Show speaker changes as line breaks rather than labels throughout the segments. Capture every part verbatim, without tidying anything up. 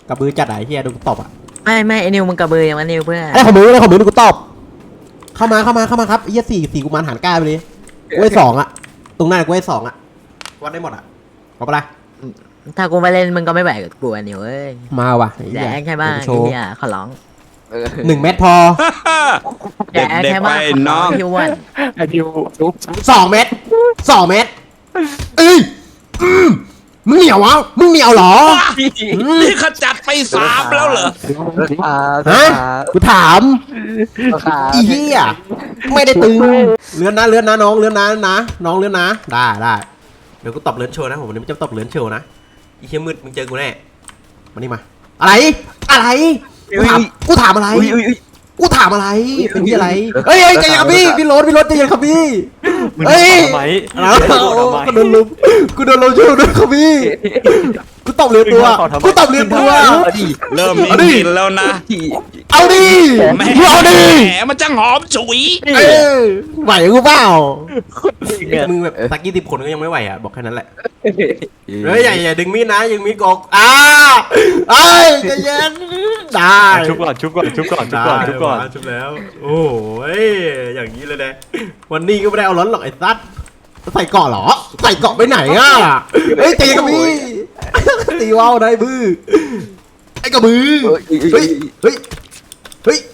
กระบือจัดไหนเฮียดูกูตบอ่ะ
ไม่ไม่ไอ้นิวมึงกระเบือยังไงนิวเพื่อน
ไอ้ของมึงไอ้ของมึงดูกูตบเข้ามาเข้ามาเข้ามาครับเฮียสี่สี่กูมันหันก้าไปเลยกูให้สองอ่ะตรงหน้ากูให้สองอ่ะวัดได้หมดอ่ะเอาไปละ
ถ้ากูไม่เล่นมึงก็ไม่ไหวกับกูไอ้นิวเอ้ย
มาว่ะ
แดกแค่บ้างไอ้เหี้ยขอร้อง
หนึ่งเม็ดพอ
แดกแค่บ้างน้องพี่วัน
ไอ้ดิว
สองเม็ดสองเม็ดเอ้ยมึงเหนียววะมึงเหนียวหรอ
นี่ขจัดไปสามแล้วเหรอ
ฮะกูถามอีเหี้ยไม่ได้ตึงเลื่อนนะเลื่อนนะน้องเลื่อนนะนะน้องเลื่อนนะได้ได้เดี๋ยวกูตบเลื่อนโชว์นะผมวันนี้มันจะตบเลื่อนโชว์นะอีเชี่ยมืดมึงเจอกูแน่มานี่มาอะไรอะไรกูถามกูถามอะไรกูถามอะไรเป็นที่อะไรเฮ้ยใจเย็นครับพี่พี่รถพี่รถใจเย็นครับพี่เฮ้ยกูโดนลุมกูโดนลุมช่วยด้วยครับพี่กูตบเรือตัวกูตบเรือตัว
เริ่มมีกลิ่นแล้วนะ
เอาดิเอาดิ
แหมมันจังหอมฉุย
ไหวกูเปล่ามึงแบบตะกี้ติดคนก็ยังไม่ไหวอ่ะบอกแค่นั้นแหละเฮ้ยอย่าอย่าดึงมีดนะยังมีกอกอ้าเอ้ยใจเย็นได้
ชุบก่อนชุบก่อนชุบก่อนชุบก่อนชุบก่อน
ชุบแล้วโอ้ยอย่างนี้เลยนะวันนี้ก็ไม่ได้เอาล้นหรอกไอ้ซัดใส่เกาะหรอใส่เกาะไปไหนอ่ะเฮ้ยตีกับพี่ตีว่าวได้บื้อไอ้กระบือเฮ้ยเฮ้ยเฮ้ย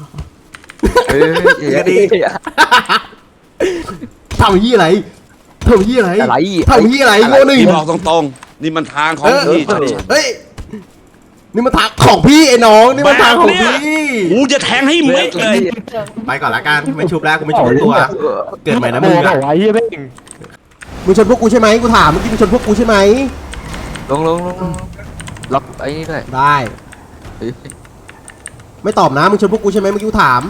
ดีทำยี่อะไรทำยี่อะไรทำยี่อะไรโง่หนึ่ง
บอกตรงๆนี่มันทางของพี่
เฮ้ยนี่มันทางของพี่ไอ้น้องนี่มันทางของพี่
กูจะแทงให้เม็ดเลย
ไปก่อนละกันไม่ชุบแล้วกูไม่ชุบตัวเกิดใหม่นะมึงอะมึงชนพวกกูใช่ไหมกูถามเมื่อกี้มึงชนพวกกูใช่ไหม
ลงลงลงล็อกไอ้นี่ด้วย
ได้ไม่ตอบนะมึงชนพวกกูใช่ไหมเมื่อกี้กูถาม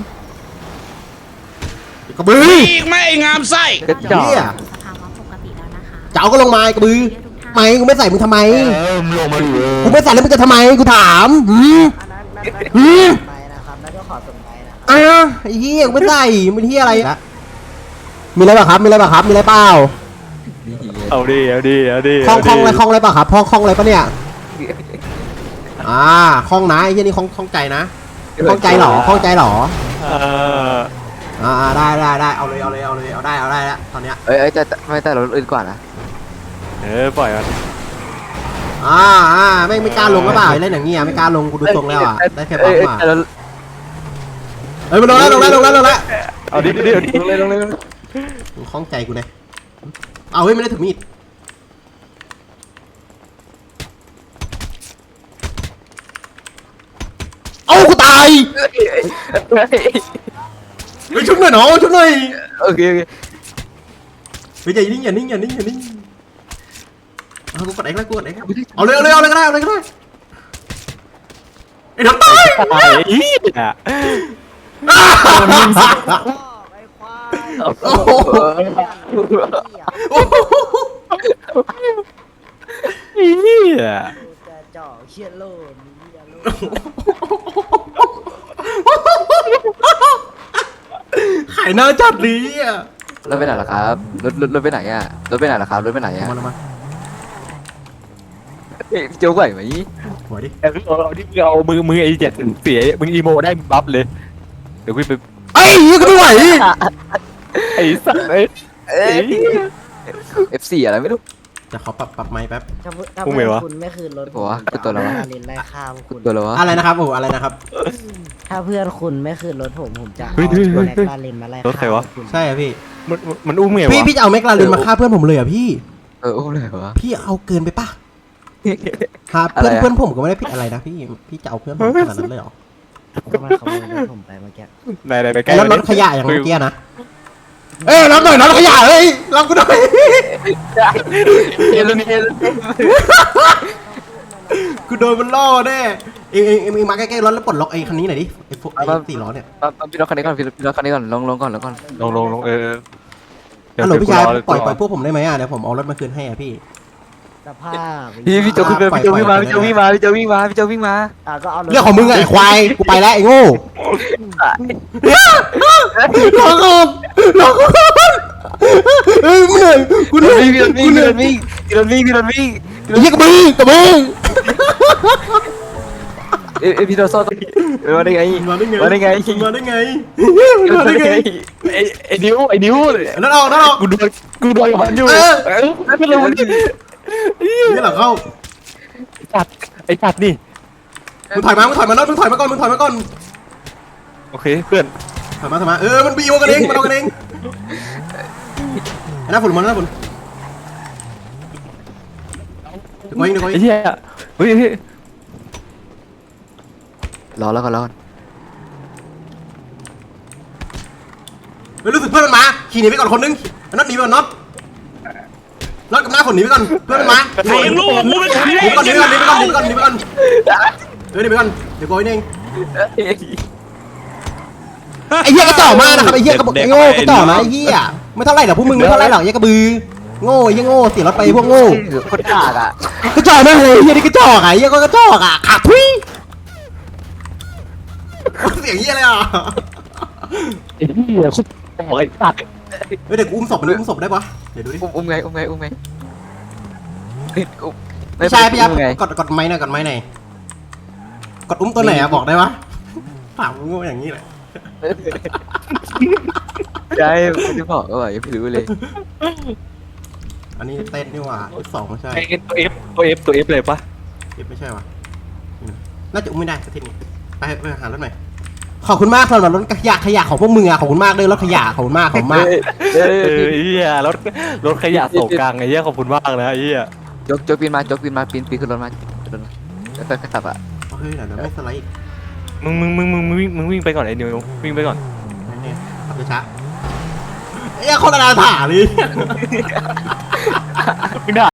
กระบือ
อีกไม่งามไส้
กระจอกเจ้าก็ลงมากระบือไม่กูไม่ใส่มึงทำไมกูไม่ใส่แล้วมึงจะทำไมกูถามหืมหืมอ่ะไอ้เหี้ยกูไม่ใส่มึงเหี้ยอะไรมีอะไรบ้างครับมีอะไรบ้างครับมีอะไรเปล่า
เอาดิเอาดิเอาดิ
คล้องคล้องอะไรคล้องอะไรป่ะครับคล้องคล้องอะไรป่ะเนี่ยอ่าคล้องนะไอ้ที่นี่คล้องคล้องใจนะคล้องใจหรอคล้องใจหรออ่าได้ได้ได้เอาเลยเอาเลยเอาเลยเอาได้เอาได้แล้วตอนเนี้ย
เอ้ยแต่ไม่แต่เราอื่นก่อนนะ
เออปล่อยมัน
อ่าอ่าไม่ไม่กล้าลงก็เปล่าเล่นอย่างเงี้ยไม่กล้าลงกูดูทรงแล้วอ่ะได้แค่ปั๊มมาเฮ้ยมันลงแล้วลงแล้วลงแล้วลงแล้ว
เอาดิดิเอาดิ
ลงเลยลงเลย
มึงคล้องใจกูนะเอาเฮ้ยไม่ได้ถือมีดเอากูตายไปชุบหน่อยน้องชุบหน่อย
โอเคโอเค
ไปอย่านิ่งอย่านิ่งอย่านิ่งอย่านิ่งเอากูกดเอ็กซ์แล้วกูกดเอ็กซ์เอาเลยเอาเลยเอาเลยก็ได้เอาเลยก็ได้ไอ้น้ำตาย
อีอ่ะ
โอ้โห
อีอ่ะ
จ่อเชี่ยโลน
ขายหน้าจัดดีอ่ะ
รถไปไหนล่ะครับรถรถรถไปไหนอ่ะรถไปไหนล่ะครับรถไปไหนอ่ะ
มามา
เฮ้ยเจ้าไหวไหม
ไหวดิ
เอาเอาที่เอามือมือไอ้เจ็ดเสียมึงอีโมได้บัฟเลยเดี๋ยวกูไป
ไอ้ยี่ก็ไม่ไหว
ไอ้สัตว์ไอ้
เอฟซีอะไรไม่รู้
จะเขาปรับปรับไม้แป๊บ
ถ้าถ้าเพื่อนคุณไม่คืนรถ
ผมจะตัวอะไรวะ
เล่นไล่ข้ามคุณ
ตัวอะไรวะ
อะไรนะครับโอ้อะไรนะครับ
ถ้าเพื่อนคุณไม่คืนรถผมผมจะเอาแม็กลาเรนมาไล่
รถใครวะ
ใช่พี่
มันมันอุ้มไงวะ
พี่พี่จะเอาแม็กลาเรนมาฆ่าเพื่อนผมเลยอ่ะพี่
เอออุ้มเลยวะ
พี่เอาเกินไปป่ะครับเพื่อนเพื่อนผมก็ไม่ได้ผิดอะไรนะพี่พี่จะเอาเพื่อนผมขนาดนั้นเลยหรอ
ก็มาขโมยรถผมไปเมื่อกี้
ไหนไหนไปใกล้
รถรถขยะอย่างเมื่อกี้นะเอ้ยรับหน่อยรถขยะเฮ้ยรับกูหน่อย
เอลนี่
กูโดนมันล่อแน่เอ็งเอ็งเอ็งมาใกล้ๆรถแล้วปลดล็อกไอ้คันนี้หน่อยดิไอ้พวกไอ้สี่ล้อเนี่ย
พี่รถคันนี้ก่อนพี่รถคันนี้ก่อนลงลงก่อนลงก่อน
ลงลงลงเออ
ฮัลโหลพี่ชายปล่อยปล่อยพวกผมได้ไหมอ่ะเดี๋ยวผมเอารถมาคืนให้อ่ะพี่
สภาพ
พี่พี่โจขึ้นไปพี่โจวิ่งมาพี่โจวิ่งมาพี่โจวิ่งมาพี่โจวิ่งมา
อ่ะก็เอา
เรื่องของมึงไอ้ควายกูไปแล้วไอ้โง่รอก่อนรอก่อนเฮ้ยมึงเหนื่อยกูเหนื่อย
พี่รถวิ่งพี่รถวิ่งพี่รถวิ่งพี่รถวิ่ง
ยี่กระบือกระบือ
เอ้ยเอ้ยพี่โดโซ่ต้องมาได้ไง
มาได้ไง
มาได้ไง
มาได้ไง
มา
มาได้ไง
ไอ้ไอ้นิ้วไอ้นิ้ว
นั่นออกนั่นออก
กูโดนกูโดนกับมันอยู่
เออ
เออไม่รู้มัน
นี่หลังเข้า
จัดไอ้จัดนี่
มึงถอยมามึงถอยมาน็อตมึงถอยมาก่อนมึงถอยมาก่อน
โอเคเพื่อน
ถอยมาถอยมาเออมันบีโอกันเองมันเอากันเองไอ้หน้าฝุ่นมันหน้าฝุ่นเดี๋ยวกูเองเดี๋ยวกูเอ
ไอ้
ง
เหี้ยเฮ้ยเฮ้ย
รอแล้วก็รอก่อน
เฮ้ยรู้สึกเพื่อนมันมาขี่หนีไปก่อนคนนึงไอ้น็อตหนีไปก่อนน็อตน็อตกับหน้าฝุ่นหนีไปก่อนเพื่อนมันมา
ใครยังรู้ว่ากูเป็นใคร
หนีไปก่อนหนีไปก่อนหนีไปก่อนหนีไปก่อนหนีไปก่อนเออหนีไปก่อนเดี๋ยวกูเองไอ้เหี้ยกระจอกมากนะครับไอ้เหี้ยกระบอกไอ้โง่กระจอกนะไอ้เหี้ยไม่เท่าไรหรอกพวกมึงไม่เท่าไรหรอกไอ้กระบือโง่ไอ้เหี้ยโง่เสียรถไปพวกโง่
คนกากอ่ะ
กระจอกมากเลยไอ้เหี้ยนี่กระจอกอ่ะไอ้เหี้ยก็กระจอกอ่ะขาดทุยเสียงเหี้ยเลยอ่ะ
ไอ้เหี้ยคุกบอกไอ้จัด
เฮ้ยเดี๋ยวกูอุ้มศพไปเลยอุ้มศพได้ปะเดี๋ยวดูดิ
อุ้มอุ้มไงอุ้มไงอุ้มไงเฮ้ยอุ้ม
พี่ชายพี่ยับ
อุ้มไง
กดกดไม้หน่อยกดไม้หน่อยกดอุ้มตัวไหนอะบอกได้ปะถามกูโง่อย่างนี้แหละ
ใช่ไม่ได้บอกก็ว่ายังไม่รู้เลย
อันนี้เต้นนี่หว่าสองไม่ใช่
ไอ้ตัวเอฟตัวเอฟตัวเอฟเลยปะ
เอฟไม่ใช่วะนี่นะน่าจะอุ้มไม่ได้สักทีนี้ไปไปหารถใหม่ขอบคุณมากสำหรับรถขยะขยะของพวกมึงอะขอบคุณมากเลยรถขยะขอบคุณมากขอบคุณมาก
เอ
เอ
อ
อไอ้เหี้ยรถรถขยะโศกกลางไอ้เหี้ยขอบคุณมากนะไอ้เหี้ย
จกจกปีนมาจกปีนมาปีนปีนขึ้นรถมาขึ้นรถมาแล้วก็ขับอ่ะ
เฮ้ยเดี๋ยวเดี๋ยวไม่สไลด์อีก
มึงมึงมึงมึงมึงวิ่งมึงวิ่งไปก่อนไอ้นิววิ่งไปก่อน
นี่ขับช้าๆไอ้เหี้ยคนละนาถาเลย
มึงด่า